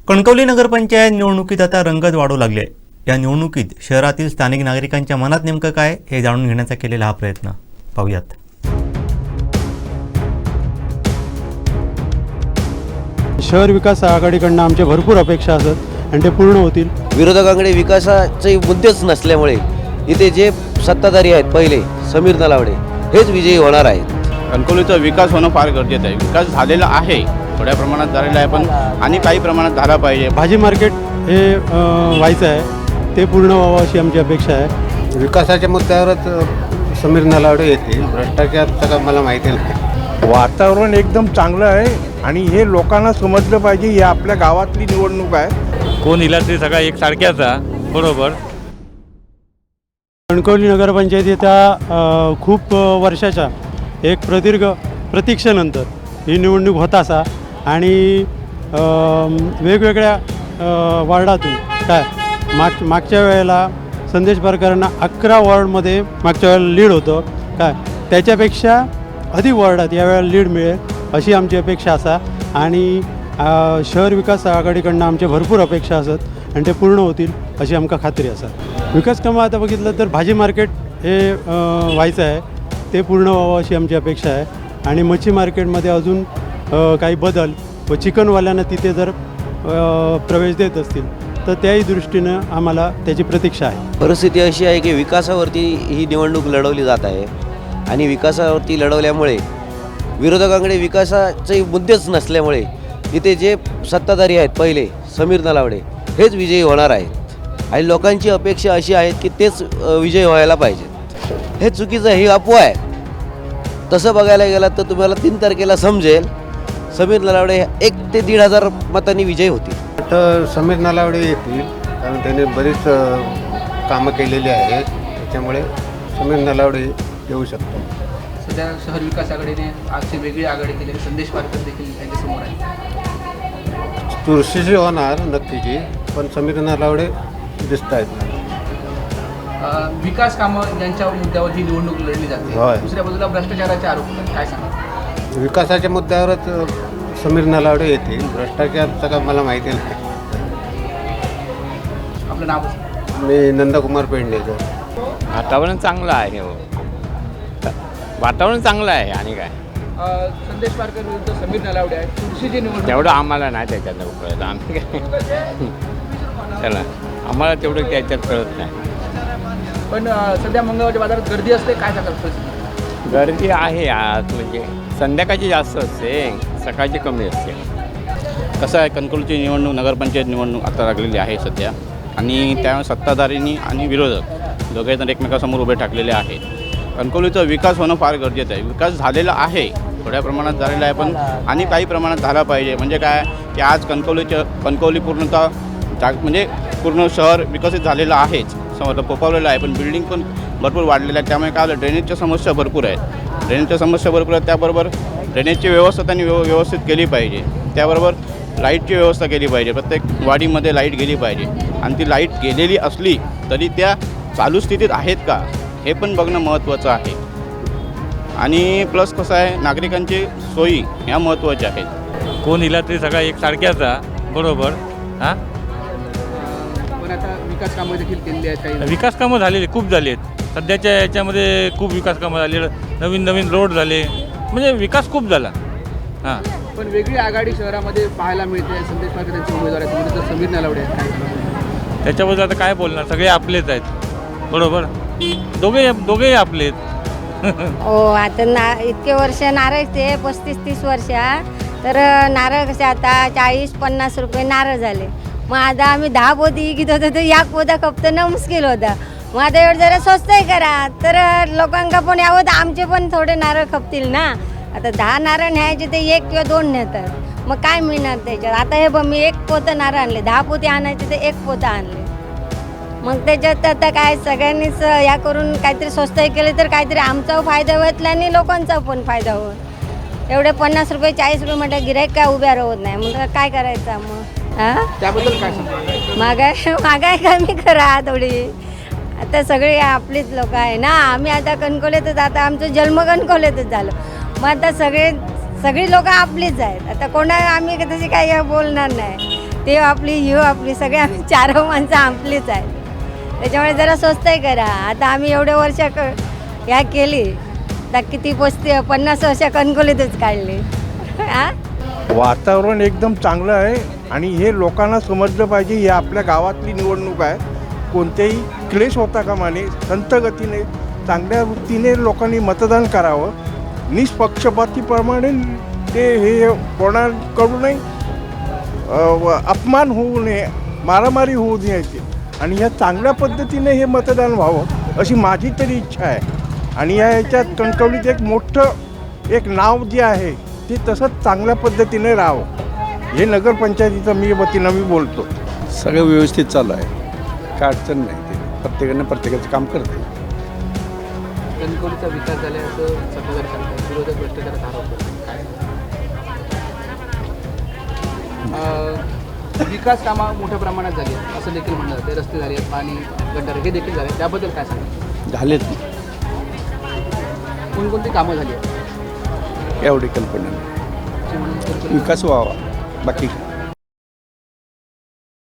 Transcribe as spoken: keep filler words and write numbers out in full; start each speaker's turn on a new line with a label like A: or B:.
A: कणकवली नगरपंचायत निवडणुकीत आता रंगत वाढू लागली आहे. या निवडणुकीत शहरातील स्थानिक नागरिकांच्या मनात नेमकं काय हे जाणून घेण्याचा केलेला हा प्रयत्न पाहूयात.
B: शहर विकास आघाडीकडनं आमच्या भरपूर अपेक्षा असतात आणि ते पूर्ण होतील.
C: विरोधकांकडे विकासाचे मुद्देच नसल्यामुळे इथे जे सत्ताधारी आहेत पहिले समीर नलावडे हेच विजयी होणार आहेत.
D: कणकवलीचा विकास होणं फार गरजेचं आहे. विकास झालेला आहे, थोड्या प्रमाणात झालेला आहे, पण आणि काही प्रमाणात झाला पाहिजे.
B: भाजी मार्केट हे अ, व्हायचं आहे, ते पूर्ण व्हावं अशी आमची अपेक्षा आहे.
E: विकासाच्या मुद्द्यावरच समीर नलावडे येतील. भ्रष्टाचारचं का मला माहिती नाही.
F: वातावरण एकदम चांगलं आहे आणि हे लोकांना समजलं पाहिजे ही आपल्या गावातली निवडणूक आहे.
G: कोण इला तरी सगळा एक सारख्याचा बरोबर.
B: कणकवली नगरपंचायतीच्या अ, खूप वर्षाच्या एक प्रदीर्घ प्रतीक्षेनंतर ही निवडणूक होत असा आणि अ, वेगवेगळ्या अ, वॉर्डातून काय माग मागच्या वेळेला संदेश पारकरांना अकरा वॉर्डमध्ये मागच्या वेळेला लीड होतं काय, त्याच्यापेक्षा अधिक वॉर्डात यावेळेला लीड मिळेल अशी आमची अपेक्षा असा आणि अ, शहर विकास आघाडीकडनं आमच्या भरपूर अपेक्षा असतात आणि ते पूर्ण होतील अशी आमका खात्री असा. विकास कामं आता बघितलं तर भाजी मार्केट हे अ, व्हायचं आहे, ते पूर्ण व्हावं अशी आमची अपेक्षा आहे आणि मच्छी मार्केटमध्ये अजून अ, काही बदल व चिकनवाल्यांना तिथे जर अ, प्रवेश देत असतील तर त्याही दृष्टीनं आम्हाला त्याची प्रतीक्षा आहे.
C: परिस्थिती अशी आहे की विकासावरती ही निवडणूक लढवली जात आहे आणि विकासावरती लढवल्यामुळे विरोधकांकडे विकासाचे मुद्देच नसल्यामुळे इथे जे सत्ताधारी आहेत पहिले समीर नलावडे हेच विजयी होणार आहेत आणि लोकांची अपेक्षा अशी आहे की तेच विजयी व्हायला पाहिजेत. हे चुकीचं ही अफवा आहे. तसं बघायला गेलं तर तुम्हाला तीन तारखेला समजेल समीर नलावडे एक ते दीड हजार मतांनी विजयी होतील.
E: तर समीर नलावडे येतील कारण त्याने बरीच अ, कामं केलेली आहेत. त्याच्यामुळे समीर नलावडे येऊ शकतो.
H: सध्या शहर विकास आघाडीने आजची वेगळी आघाडी केली. संदेश पारकर देखील त्यांच्यासमोर आहे.
E: चुरशीची होणार नक्कीची, पण समीर नलावडे दिसत आहेत.
H: अं, विकास कामं यांच्या मुद्द्यावर ही निवडणूक लढली जाते.
E: होय.
H: दुसऱ्या बाजूला भ्रष्टाचाराचे आरोप होतात. काय सांगा?
E: विकासाच्या मुद्द्यावरच अ, समीर नलावडे येतील. भ्रष्टाचारचं का मला माहिती नाही.
H: आपलं नाव सांगा.
E: मी नंदकुमार पेडणेकर.
G: वातावरण चांगलं आहे. हो, वातावरण चांगलं आहे आणि काय
H: अं, संदेश पारकर विरुद्ध समीर नलावडे आहे. चुरशीची निवडणूक
G: तेवढं आम्हाला नाही त्याच्यात कळत. आम्ही काय चला आम्हाला तेवढं त्याच्यात कळत नाही.
H: पण अं, सध्या मंगळवारच्या बाजारात गर्दी असते. काय सांगाल परिस्थिती?
G: गर्दी आहे आज, म्हणजे संध्याकाळची जास्त असते, सकाळची कमी असते.
D: कसं आहे, कणकवलीची निवडणूक नगरपंचायत निवडणूक आता लागलेली आहे सध्या आणि त्यामुळे सत्ताधारींनी आणि विरोधक दोघेजण एकमेकांसमोर उभे ठाकलेले आहेत. कणकवलीचा विकास होणं फार गरजेचं आहे. विकास झालेला आहे, थोड्या प्रमाणात झालेला आहे, पण आणि काही प्रमाणात झाला पाहिजे. म्हणजे काय की आज कणकवलीचं कणकवली पूर्णतः जाग म्हणजे पूर्ण शहर विकसित झालेलं आहेच, समजा पोपावलेलं आहे, पण बिल्डिंग पण भरपूर वाढलेलं आहे. त्यामुळे काय आलं, ड्रेनेजच्या समस्या भरपूर आहेत. ड्रेनेजच्या समस्या भरपूर आहेत. त्याबरोबर ड्रेनेजची व्यवस्था त्यांनी व्यव व्यवस्थित केली पाहिजे. त्याबरोबर लाईटची व्यवस्था केली पाहिजे. प्रत्येक वाडीमध्ये लाईट गेली पाहिजे आणि ती लाईट गेलेली असली तरी त्या चालू स्थितीत आहेत का हे पण बघणं महत्त्वाचं आहे. आणि प्लस कसं आहे, नागरिकांची सोयी ह्या महत्त्वाच्या आहेत.
G: कोण इला तरी सगळा एक सारख्याचा बरोबर. हां,
H: पण आता विकास कामं देखील केलेली आहेत. काही
G: विकास कामं झालेली खूप झाली आहेत. सध्याच्या याच्यामध्ये खूप विकास कामं झाले, नवीन नवीन रोड झाले, म्हणजे विकास खूप झाला. हां,
H: पण वेगळी आघाडी शहरामध्ये पाहायला मिळते. संदेश पारकर त्यांचे उमेदवार आहेत, विरुद्ध समीर नलावडे आहेत. काय सांगाल?
G: त्याच्याबद्दल आता काय बोलणार, सगळे आपलेच आहेत बरोबर. दोघे दोघेही आपले आहेत.
I: हो, आता ना इतके वर्ष नारळ ते पस्तीस तीस वर्ष तर नारळ कसे आता चाळीस पन्नास रुपये नारळ झाले. मग आता आम्ही दहा पोती घेत होतो तर या पोता खपतं मुश्किल होता. मग आता एवढं जरा स्वस्तही करा तर लोकांका पण यावं तर आमचे पण थोडे नारळ खपतील ना. आता दहा नारळ न्यायचे ते एक किंवा दोन नेतात, मग काय मिळणार त्याच्यात. आता हे बघ, मी एक पोतं नारळ आणले, दहा पोते आणायचे ते एक पोतं आणले. मग त्याच्यात आता काय सगळ्यांनीच या करून काहीतरी स्वस्तही केले तर काहीतरी आमचा फायदा होत आणि लोकांचा पण फायदा होत. एवढे पन्नास रुपये चाळीस रुपये म्हटलं गिऱ्हाईक काय उभ्या राहत नाही. मग काय करायचं मग? हां,
H: त्याबद्दल काय सांगा?
I: महागाई महागाई कमी करा थोडी. आता सगळे आपलीच लोक आहे ना. आम्ही आता कणकवलीतच, आता आमचं जन्म कणकवलीतच झालं. मग आता सगळे सगळी लोक आपलीच आहेत. आता कोणा आम्ही तशी काही बोलणार नाही. ते आपली ही आपली सगळे आम्ही चार माणसं आपलीच आहे. त्याच्यामुळे जरा स्वस्तही करा. आता आम्ही एवढे वर्ष क ह्या केली तर किती पस्ती पन्नास वर्ष कणकोलीतच काढली. हां
F: वातावरण एकदम चांगलं आहे आणि हे लोकांना समजलं पाहिजे ही आपल्या गावातली निवडणूक आहे. कोणतेही क्लेश होता कामा नये. संत गतीने चांगल्या वृत्तीने लोकांनी मतदान करावं. निष्पक्षपातीप्रमाणे ते हे कोणाकडूनही अ, व- अपमान होऊ नये, मारामारी होऊ नये आणि ह्या चांगल्या पद्धतीने हे मतदान व्हावं अशी माझी तरी इच्छा आहे. आणि या ह्याच्यात कणकवलीत एक मोठं एक नाव जे आहे ते तसंच चांगल्या पद्धतीने राहावं हे नगरपंचायतीचं मी वतीनं मी बोलतो.
J: सगळं व्यवस्थित चालू आहे, काय अडचण नाही. ते प्रत्येकानं प्रत्येकाचं काम करते.
H: कणकवलीचा विकास झाला असं सत्ताधारी सांगतात, विरोधक भ्रष्टाचाराचा आरोप करतात. काय अं, विकास कामं मोठ्या प्रमाणात झाली आहेत असं देखील म्हणलं जाते. रस्ते झाले आहेत, पाणी गटार हे देखील झाले. त्याबद्दल काय सांगा?
J: झालेत
H: कोणकोणती कामं झाली आहेत
J: एवढी कल्पना नाही.
H: जी म्हणून कणकवली-
J: विकास व्हावा बाकी